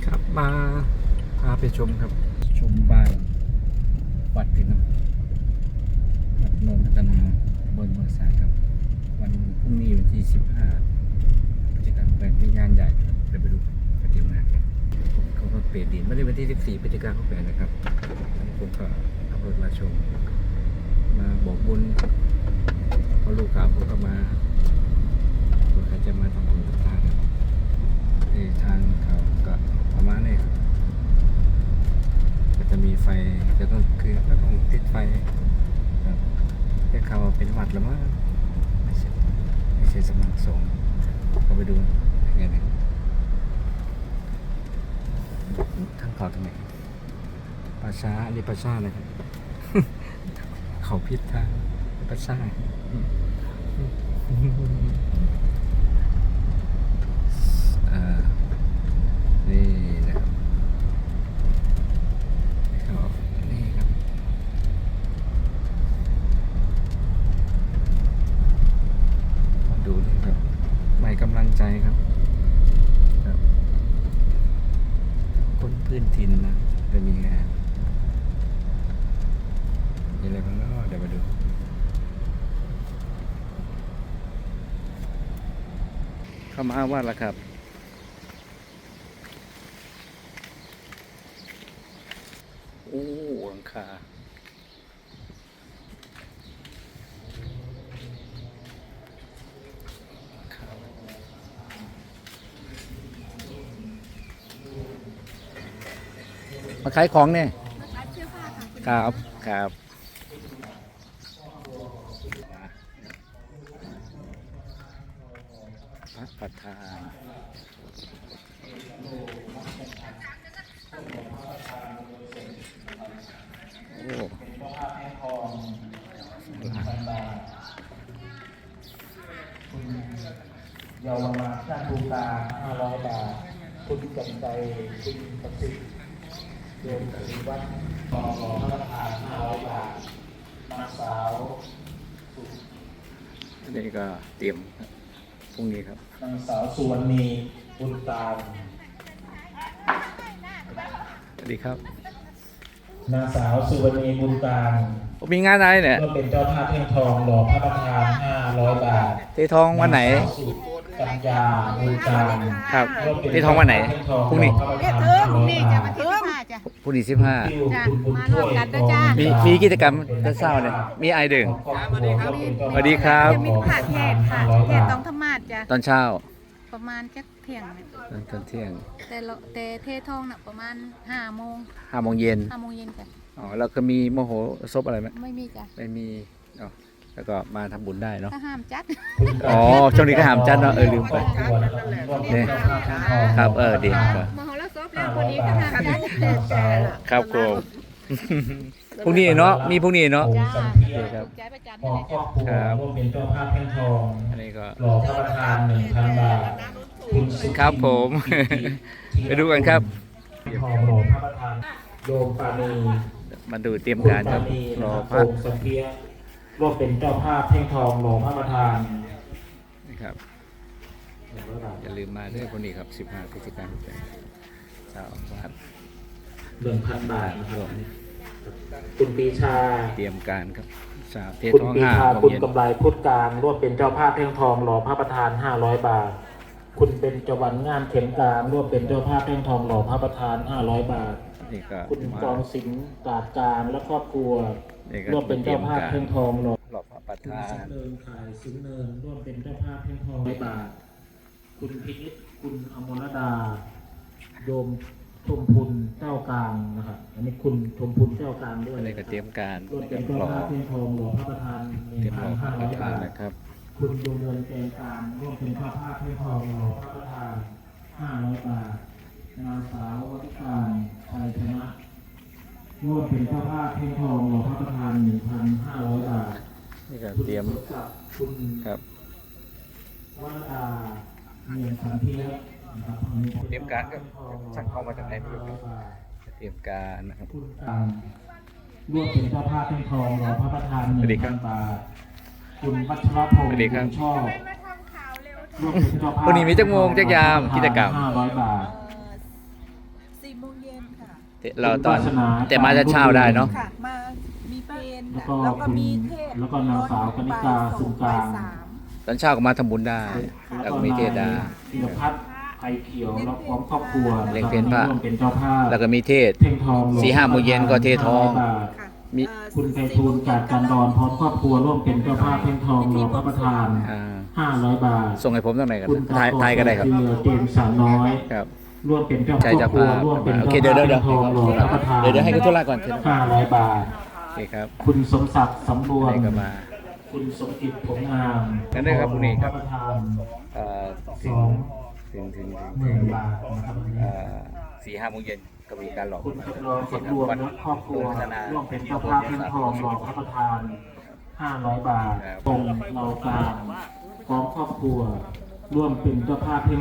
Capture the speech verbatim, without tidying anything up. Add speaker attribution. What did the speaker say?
Speaker 1: ครับมาพาไปชมครับชมบ้านวัดพี่น้องวัดโนนพัฒนาบนเมืองสายครับวันพรุ่งนี้วันที่สิบห้ากิจกรรมแบบวิญญาณใหญ่เดี๋ยวไปดูปฏิมากรเขาก็เปลี่ยนดินไม่ได้วันที่สิบสี่พฤศจิกายนเขาแปลนะครับผมก็ขับรถมาชมมาบอกบุญพอลูกกลับผมก็มาเผื่อใครจะมาทำบุญต่างๆที่ทางเขาก็ประมาณนี้ครับก็จะมีไฟจะต้องคือก็ต้องติดไฟครับแต่เขาเป็นวัดแล้วมั้งไม่ใช่ไม่ใช่สำนักสงฆ์ก็ไปดูยังไงเนี่ยทางเขาทำไมปราชาอันนี้ปราชาเลยครับ เขาพิษทางปราชาอ่านี่นะครับครับนี่ครับมาดูนี่ครับใหม่กำลังใจครับครับคนพื้นถิ่นนะจะมีงานมีอะไรบ้างเนาะเดี๋ยวมาดูเข้ามาว่าละครับโอ้หลังคามาขายของเนี่ย
Speaker 2: มาขายเสื้อผ้าค่ะคุณ
Speaker 1: ครับครับพระประธานโอ้
Speaker 3: เยาวราชาบูตาห้าร้อยบาทคุณจำใจคุณประสิทธิ์โยมปฏิวัติต่อรอพระประธานห้าร้อยบาทนางสาว
Speaker 1: อันนี้ก็เตรียมพรุ่งนี้ครับ
Speaker 3: นางสาวสุวรรณีบุญตาม
Speaker 1: สวัสดีครับ
Speaker 3: นางสาวสุวรรณีบุญตาม
Speaker 1: มีงานอะไรเนี่ย
Speaker 3: ก็เป็นเจ้าภาพเทียนทองหล่อพระประธานห้าร้อยบาท
Speaker 1: เททองวันไหน
Speaker 3: กัญญาบุญตาม
Speaker 1: ครับเททองวันไหนพรุ่งนี้
Speaker 2: เอ๊ะเธอพรุ่งนี้จะมาที่ผ้าจ้ะ
Speaker 1: พรุ่งนี้สิบห้า
Speaker 2: จ้ะมารวมกันด้วยจ้า
Speaker 1: มีมีกิจกรรมจะเศร้าเนี่ยมีไอดึงสวัสดีครับ
Speaker 2: จะมีผัดเทศค่ะเทศต้องธรรมาสจ้ะ
Speaker 1: ตอนเช้า
Speaker 2: ประมาณแค่เที่ยงเนี่ย
Speaker 1: ตอนตอนเที่ยง
Speaker 2: แต่เราแต่เทศทองน่ะประมาณห้าโมง
Speaker 1: ห้าโมงเย็น
Speaker 2: ห้าโมงเย็นจ้ะ
Speaker 1: อ๋อแล้วก็มีโมโหซบอะไรไหม
Speaker 2: ไม่มีจ้ะ
Speaker 1: ไม่มีอ๋อแล้วก็มาทำบุญได้เนาะ
Speaker 2: ถ้าห้ามจัด
Speaker 1: อ๋อช่วงนี้ก็หามจัดเนาะเออลืมไปเนี่ยครับเออดีครับ
Speaker 2: มโหรสพแล้วคนนี้ก็ห้ามจัด
Speaker 1: ครับผมพรุ่งนี้เนาะมีพรุ่งนี้เนาะ
Speaker 2: จ้า
Speaker 1: โอเคครับ
Speaker 2: ใจประจำ
Speaker 3: ข
Speaker 2: นี่
Speaker 3: อ
Speaker 2: แหละ
Speaker 3: คร
Speaker 2: จ้ะ
Speaker 3: อบครัวร่วมเป็นเจ้าภาพเทียนทอง
Speaker 1: อันนี้ก็
Speaker 3: หล่อพระประธานหนึ่งพันบาทคุณสุ
Speaker 1: ครับผม ไปดูกันครับ
Speaker 3: ทองหล่อพระประธานโยมปานี
Speaker 1: มาดูเตรียมการครับรอพ
Speaker 3: พ
Speaker 1: ระ
Speaker 3: ระสังเพียร่วมเป็นเจ้าภาพเทียนทองหล่อพระประธาน
Speaker 1: นะครับอย่าลืมมาด้วยคนนี้ครับสิบห้าพฤศจิกายนเช้าวัด
Speaker 3: หนึ่งพันบาทนะครับคุณปีชา
Speaker 1: เตรียมการครับสาวเท
Speaker 3: คุณ
Speaker 1: ทอง
Speaker 3: ปี
Speaker 1: ห้า
Speaker 3: ชา
Speaker 1: โมง
Speaker 3: คุณ
Speaker 1: เย็น
Speaker 3: กำไรพุทธการร่วมเป็นเจ้าภาพเทียนทองหล่อพระประธานห้าร้อยบาทคุณเป็นจวันงามเข็มกลางร่วมเป็นเจ้าภาพเทียนทองหล่อพระประธานห้าร้อยบาท
Speaker 1: นี่ก็
Speaker 3: คุณ
Speaker 1: มาก
Speaker 3: องสิงห์ตราดกลางและครอบครัว
Speaker 1: นี่ก็
Speaker 3: ร่วมเป็นเจ้าภาพเทียนทองหล่อ
Speaker 1: หลอกพระประ
Speaker 3: คุณ
Speaker 1: ธา
Speaker 3: สิ
Speaker 1: น
Speaker 3: งเนินขายสิงเนินร่วมเป็นเจ้าภาพเทียนทองร้อยบาทคุณพินิจคุณอมรดาโยมชมพุนเจ้ากลางนะครับอันนี้คุณชมพุนเจ้ากลางด้วย
Speaker 1: อันนี้ก็เตรียมการ
Speaker 3: ร่วม
Speaker 1: เต
Speaker 3: เป็
Speaker 1: รีย
Speaker 3: น
Speaker 1: ม
Speaker 3: เจ้า
Speaker 1: หล่อ
Speaker 3: ภาพเทียนทองหล่อพระประธานห
Speaker 1: เตรี
Speaker 3: นึ่
Speaker 1: ย
Speaker 3: ง
Speaker 1: มห
Speaker 3: พั
Speaker 1: ล่อน พระ
Speaker 3: ห้า
Speaker 1: ป
Speaker 3: ร้อย
Speaker 1: ระธาน
Speaker 3: บาท
Speaker 1: นะครับ
Speaker 3: คุณดวงเงินแกงกลางร่วมเป็นเจ้าภาพเทียนทองหล่อพระประธานห้าร้อยบาทนางสาววัฒการชัยชนะร่วมเป็นเจ้าภาพเทียนทองหล่อพระประธานหนึ่งพันห้าร้อยบาท
Speaker 1: นี่ก็เตรียม
Speaker 3: คุณ
Speaker 1: ครับ
Speaker 3: วรดาเมียนสันเทียนะครับ
Speaker 1: เตรียมการครับช่างเข้ามาจากไหนไม่รู้ครับเตรียมการนะครับ
Speaker 3: คุณการร่วมเป็นเจ้าภาพเทียนทองรอพระประธานหนึ่งพันบาทคุณวัชรพงศ์คุณชอบร่วมเป็นเจ้าภาพ
Speaker 1: วันนี้มีจักโมงจักยามกิจกรรม
Speaker 3: ห้าร้อยบาท
Speaker 1: เราตอน
Speaker 3: คุณวาสนา
Speaker 1: แต่มาจะเช้าได้เนาะ
Speaker 4: ค่ะมามีเพลง
Speaker 3: แล้วก็
Speaker 4: แล้วก็
Speaker 3: คุณ
Speaker 4: มีเทศ
Speaker 3: แล้วก็นางสาวกนิกาสุนกลาง
Speaker 4: บ่ยสาม
Speaker 1: ตอนเช้าก็มาทำบุญได้ แล้วก็มีเทศดา
Speaker 3: ธีรพัฒน์ไอเขียวแล้วพร้อมครอบครัว
Speaker 1: เลี้ยงเพลพระ
Speaker 3: ร่วมเป็นเจ้าภาพ
Speaker 1: แล้วก็มีเทศ
Speaker 3: เพ่งทองลง
Speaker 1: สี่ห้าโมงเย็นก็เททอง
Speaker 3: ห้าร้ยบาท
Speaker 4: ค่ะ
Speaker 1: มี
Speaker 4: เอ่อ
Speaker 3: คุณไพฑูรย์จากกันดอนพร้อมครอบครัวร่วมเป็นเจ้าภาพเพ่งทองรอพระประธาน
Speaker 1: อ่า
Speaker 3: ห้าร้อยบาท
Speaker 1: ส่งให้ผมตั้งไหนกัน
Speaker 3: คุณ
Speaker 1: ไทยไทยก็ได้ครับ
Speaker 3: เรือเจมส์สาวน้อย
Speaker 1: ครับ
Speaker 3: ร่วมเป็นเจ้า
Speaker 1: ใจ
Speaker 3: ครอบ
Speaker 1: จะ
Speaker 3: ครัว
Speaker 1: พา
Speaker 3: ร่วมเป็น
Speaker 1: โอเค
Speaker 3: เจ้า
Speaker 1: เดี๋ยวเดี๋ยว
Speaker 3: ภาพ
Speaker 1: เดี๋ยว
Speaker 3: เพ่งทองรอพระประธาน
Speaker 1: เดี๋ยวเดี๋ยวให้คุณธุระก่อน
Speaker 3: ห้าร้อยบาท
Speaker 1: โอเคครับ
Speaker 3: คุณสมศักดิ์สำรวม
Speaker 1: นี่ก็มา
Speaker 3: คุณสมจิตผลงาม
Speaker 1: งั้นได้ครับพรุ่งนี้ครับ
Speaker 3: พะประธาน
Speaker 1: เอ่อ
Speaker 3: สอง
Speaker 1: ถึงถึง
Speaker 3: ห
Speaker 1: ถึ
Speaker 3: มื่
Speaker 1: ง
Speaker 3: นบาทนะครับวันนี้
Speaker 1: เอ่อสี่ห้าโมงเย็นก็มีการหลอก
Speaker 3: คุณจำลองสำรวมและครอบครัวร่วมเป็นเจ้าภาพเพ่งทองรอพระประธานห้าร้อยบาทตรงเรากลางพร้อมครอบครัว ร่วมเป็นเจ้าภาพเพ่ง